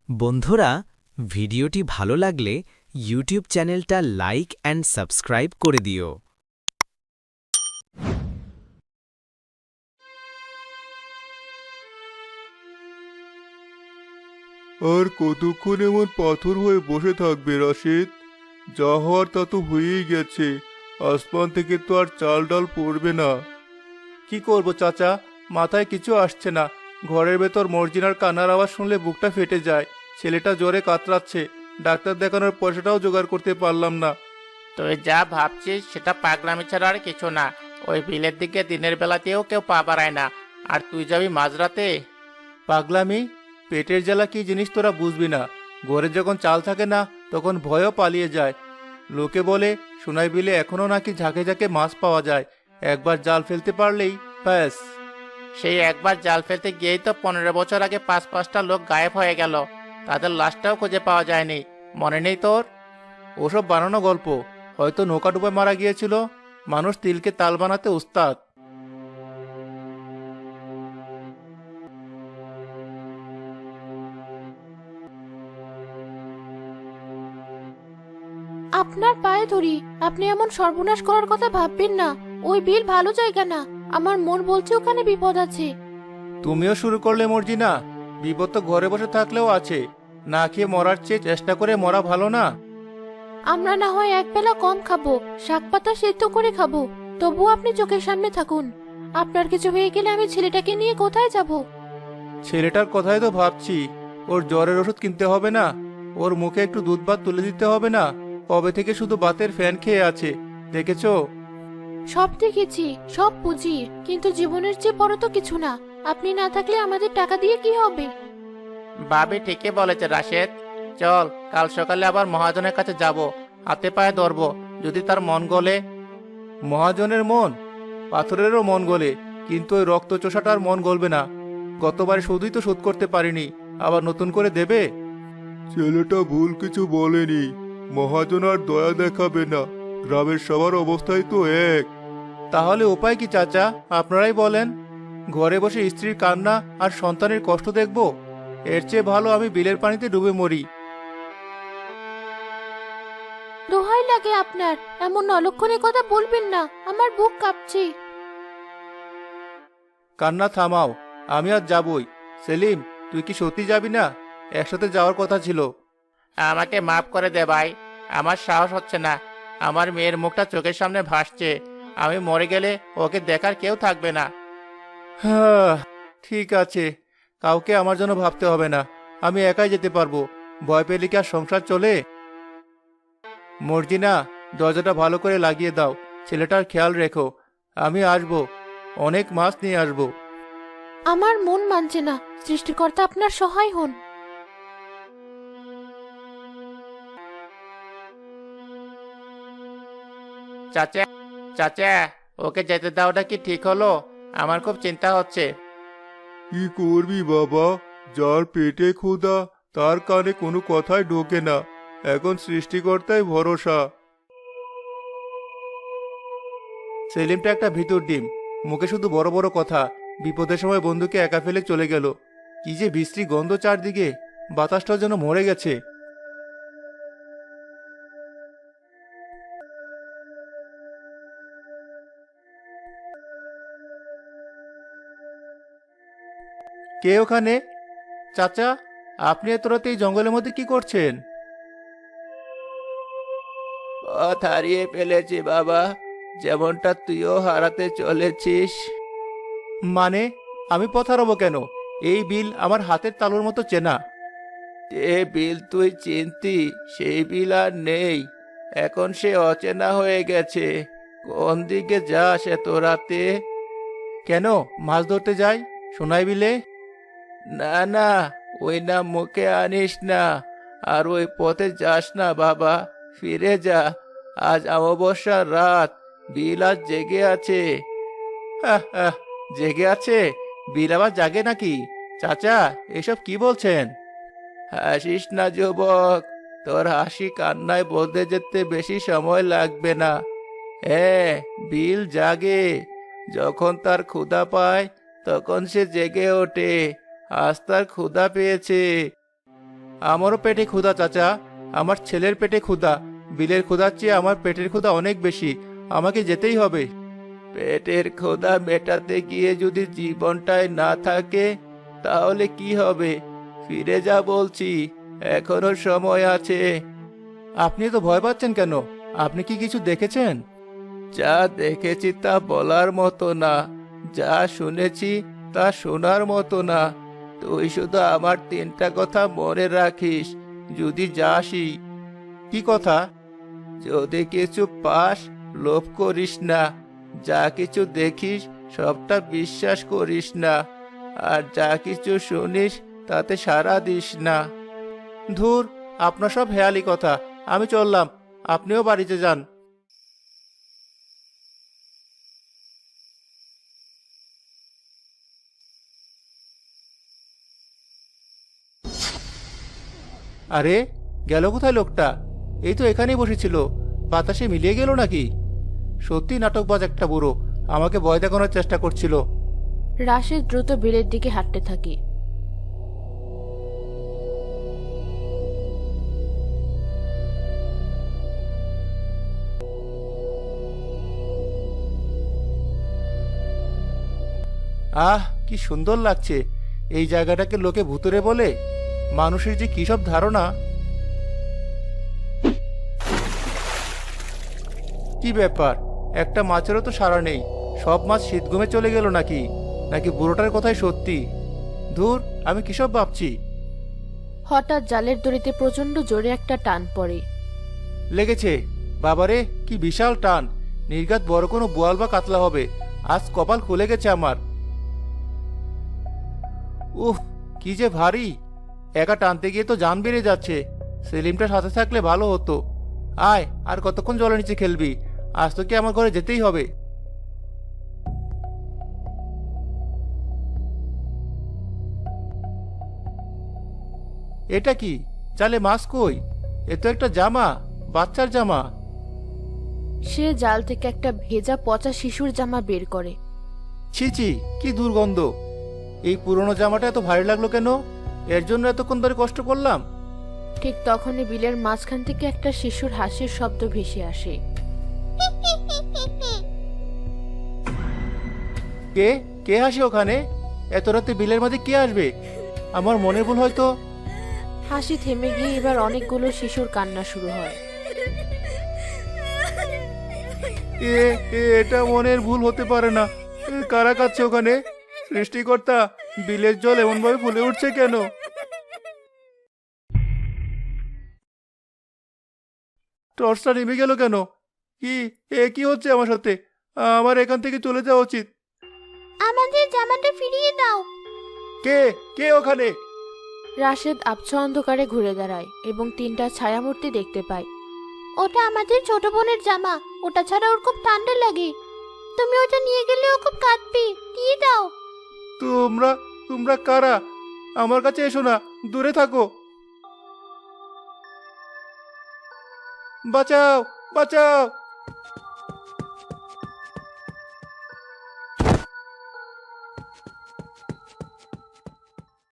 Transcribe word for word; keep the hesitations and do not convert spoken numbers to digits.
বন্ধুরা, ভিডিওটি ভালো লাগলে ইউটিউব চ্যানেলটা লাইক অ্যান্ড সাবস্ক্রাইব করে দিও। আর কতক্ষণ এমন পাথর হয়ে বসে থাকবে রাশেদ? যা হওয়ার তা তো হয়েই গেছে। আসমান থেকে তো আর চাল ডাল পড়বে না। কি করব চাচা, মাথায় কিছু আসছে না। ঘরের ভেতর মর্জিনার কান্নার আওয়াজ শুনলে বুকটা ফেটে যায়। ছেলেটা জ্বরে কাতরাচ্ছে, ডাক্তার দেখানোর পয়সাটাও জোগাড় করতে পারলাম না। তুই যা ভাবছিস সেটা পাগলামি ছাড়া আর কিছু না। ওই বিলের দিকে দিনের বেলাতেও কেউ পা বাড়ায় না, আর তুই যাবি মাঝরাতে? পাগলামি? পেটের জ্বালা কি জিনিস তোরা বুঝবি না। ঘরে যখন চাল থাকে না তখন ভয়ও পালিয়ে যায়। লোকে বলে সোনাই বিলে এখনো নাকি ঝাঁকে ঝাঁকে মাছ পাওয়া যায়। একবার জাল ফেলতে পারলেই ব্যাস। সেই একবার জাল ফেলতে গিয়েই তো পনেরো বছর আগে পাঁচ পাঁচটা লোক গায়েব হয়ে গেল। তাদের লাশটাও খুঁজে পাওয়া যায়নি। মনে নেই তোর? ওসব বানানো গল্প। হয়তো নৌকা ডুবে মারা গিয়েছিল। মানুষ তিলকে তাল বানাতে উস্তাদ। আপনার পায়ে ধরি, আপনি এমন সর্বনাশ করার কথা ভাববেন না। ওই বিল ভালো জায়গা না। আমার মন বলছে ওখানে বিপদ আছে। তুমিও শুরু করলে মর্জিনা। বিপদ তো ঘরে বসে থাকলেও আছে। না খেয়ে মরার চেয়ে চেষ্টা করে মরা ভালো না? আমরা না হয় একবেলা কম খাবো, শাক পাতা সেদ্ধ করে খাবো, তবুও আপনি চোখের সামনে থাকুন। আপনার কিছু হয়ে গেলে আমি ছেলেটাকে নিয়ে কোথায় যাব? ছেলেটার কথাই তো ভাবছি। ওর জ্বরের ওষুধ কিনতে হবে না? ওর মুখে একটু দুধ ভাত তুলে দিতে হবে না? কবে থেকে শুধু ভাতের ফ্যান খেয়ে আছে, দেখেছো? সব দেখেছি, সব বুঝি, কিন্তু জীবনের চেয়ে বড় তো কিছু না। আপনি না থাকলে আমাদের টাকা দিয়ে কি হবে? ভাবি ঠিকই বলেছে রাশেদ। চল, কাল সকালে আবার মহাজনের কাছে যাব। হাতে পায়ে ধরবো, যদি তার মন গলে। মহাজনের মন? পাথরেরও মন গলে, কিন্তু ওই রক্ত চোষাটার মন গলবে না। গতবার শুধুই তো শোধ করতে পারিনি, আবার নতুন করে দেবে? ছেলেটা ভুল কিছু বলেনি। মহাজন আর দয়া দেখাবে না। গ্রামের সবার অবস্থাই তো এক। তাহলে উপায় কি চাচা, আপনারাই বলেন। ঘরে বসে স্ত্রীর কান্না আর সন্তানের কষ্ট দেখব? এর চেয়ে ভালো আমি বিলের পানিতে ডুবে মরি। দোহাই লাগে আপনার, এমন অলক্ষণে কথা বলবেন না। আমার বুক কাঁপছে। কান্না থামাও, আমি আজ যাবই। সেলিম, তুই কি সত্যি যাবি না? একসাথে যাওয়ার কথা ছিল। আমাকে মাফ করে দে ভাই। আমার সাহস হচ্ছে না। আমার মেয়ের মুখটা চোখের সামনে ভাসছে। আমি মরে গেলে ওকে দেখার কেউ থাকবে না। হ্যাঁ, ঠিক আছে। কাউকে আমার জন্য ভাবতে হবে না। আমি একাই যেতে পারবো। ভয় পেলে কি আর সংসার চলে? মর্জিনা, দরজাটা ভালো করে লাগিয়ে দাও। ছেলেটার খেয়াল রেখো। আমি আসবো, অনেক মাছ নিয়ে আসবো। আমার মন মানছে না। সৃষ্টিকর্তা আপনার সহায় হন। চাচা, চাচা, ওকে যেতে দেওয়াটা কি ঠিক হলো? আমার খুব চিন্তা হচ্ছে। কি করবি বাবা? যার পেটে ক্ষুধা তার কানে কোনো কথাই ঢোকে না। এখন সৃষ্টিকর্তাই ভরসা। সেলিমটা একটা ভিতর ডিম, মুখে শুধু বড় বড় কথা। বিপদের সময় বন্ধুকে একা ফেলে চলে গেল। কি যে বিশ্রী গন্ধ চারদিকে, বাতাসটা যেন মরে গেছে। কে ওখানে? চাচা, আপনি এত রাতে এই জঙ্গলের মধ্যে কি করছেন? পথ হারিয়ে ফেলেছি বাবা, যেমনটা তুইও হারাতে চলেছিস। মানে, আমি পথ হারাবো কেন? এই বিল আমার হাতের তালুর মতো চেনা। যে বিল তুই চিনতি, সেই বিল আর নেই। এখন সে অচেনা হয়ে গেছে। কোন দিকে যাস এত রাতে? কেন, মাছ ধরতে যাই সোনাই বিলে। না না, ওই নাম মুখে আনিস না। আর ওই পথে যাস না বাবা, ফিরে যা। আজ অমাবস্যার রাত, বিল আজ জেগে আছে। আহ, আহ, জেগে আছে? বিল আবার জাগে নাকি? চাচা, এসব কি বলছেন? হাসিস না যুবক, তোর হাসি কান্নায় বলতে যেতে বেশি সময় লাগবে না। হ্যাঁ, বিল জাগে। যখন তার ক্ষুধা পায় তখন সে জেগে ওঠে। আজ তার ক্ষুধা পেয়েছে। আমারও পেটে ক্ষুধা চাচা, আমার ছেলের পেটে ক্ষুধা। বিলের ক্ষুধার চেয়ে আমার পেটের ক্ষুধা অনেক বেশি, আমাকে যেতেই হবে। পেটের ক্ষুধা মেটাতে গিয়ে যদি জীবনটাই না থাকে তাহলে কি হবে? ফিরে যা বলছি, এখনো সময় আছে। আপনি তো ভয় পাচ্ছেন কেন? আপনি কি কিছু দেখেছেন? যা দেখেছি তা বলার মতো না, যা শুনেছি তা শোনার মতো না। তুই শুধু আমার তিনটা কথা মনে রাখিস যদি যাসই। কি কথা? যদি কিছু পাস, লোভ করিস না। যা কিছু দেখিস সবটা বিশ্বাস করিস না। আর যা কিছু শুনিস তাতে সাড়া দিস না। ধুর, আপনার সব হেয়ালি কথা। আমি চললাম, আপনিও বাড়িতে যান। আরে, গেল কোথায় লোকটা? এই তো এখানেই বসেছিল, বাতাসে মিলিয়ে গেল নাকি? সত্যি নাটকবাজ একটা বুড়ো, আমাকে ভয় দেখানোর চেষ্টা করছিল। রাশেদ দ্রুত বিলের দিকে হাঁটতে থাকে। আহ, কি সুন্দর লাগছে! এই জায়গাটাকে লোকে ভুতুরে বলে। মানুষের যে কি সব ধারণা! কি ব্যাপার, একটা মাছেরও তো সাড়া নেই। সব মাছ শীতঘুমে চলে গেল নাকি? নাকি বুড়োটার কথাই সত্যি? ধুর, আমি কিসব ভাবছি। হঠাৎ জালের দড়িতে প্রচন্ড জোরে একটা টান পড়ে। লেগেছে! বাবারে, কি বিশাল টান! নির্ঘাত বড় কোনো বোয়াল বা কাতলা হবে। আজ কপাল খুলে গেছে আমার। উফ, কি যে ভারী! একা টানতে গিয়ে তো জান বেরিয়ে যাচ্ছে। সেলিমটা সাথে থাকলে ভালো হতো। আয়, আর কতক্ষণ জলের নিচে খেলবি? আজ তো কি আমার ঘরে যেতেই হবে। এটা কি? জালে মাছ কই? এ তো একটা জামা, বাচ্চার জামা। সে জাল থেকে একটা ভেজা পচা শিশুর জামা বের করে। ছি ছি, কি দুর্গন্ধ! এই পুরনো জামাটা এত ভারী লাগলো কেন? এর জন্য এতক্ষণ ধরে কষ্ট করলাম। ঠিক তখনই বিলের মাঝখান থেকে একটা শিশুর হাসির শব্দ ভেসে আসে। কে কে হাসি ওখানে? এত রাতে বিলের মাঝে কে আসবে? আমার মনের ভুল হয়তো। হাসি থেমে গিয়ে এবার অনেকগুলো শিশুর কান্না শুরু হয়। এ এ, এটা মনের ভুল হতে পারে না। এ, কারা কাচ্ছে ওখানে? সৃষ্টিকর্তা, বিলের জল এমন ভাবে ফুলে উঠছে কেন? টর্চটা নেমে গেল কেন? কি এ কি হচ্ছে আমার সাথে? আমার এখান থেকে চলে যাওয়া উচিত। আমাদের জামাটা ফিরিয়ে দাও। কে কে ওখানে? রাশেদ আবছা অন্ধকারে ঘুরে দাঁড়ায় এবং তিনটা ছায়ামূর্তি দেখতে পায়। ওটা আমাদের ছোট বোনের জামা। ওটা ছাড়া ওর খুব ঠান্ডা লাগে। তুমি ওটা নিয়ে গেলে ও খুব কাঁদবে। দিয়ে দাও। তোমরা তোমরা কারা? আমার কাছে এসো না, দূরে থাকো। বাঁচাও, বাঁচাও!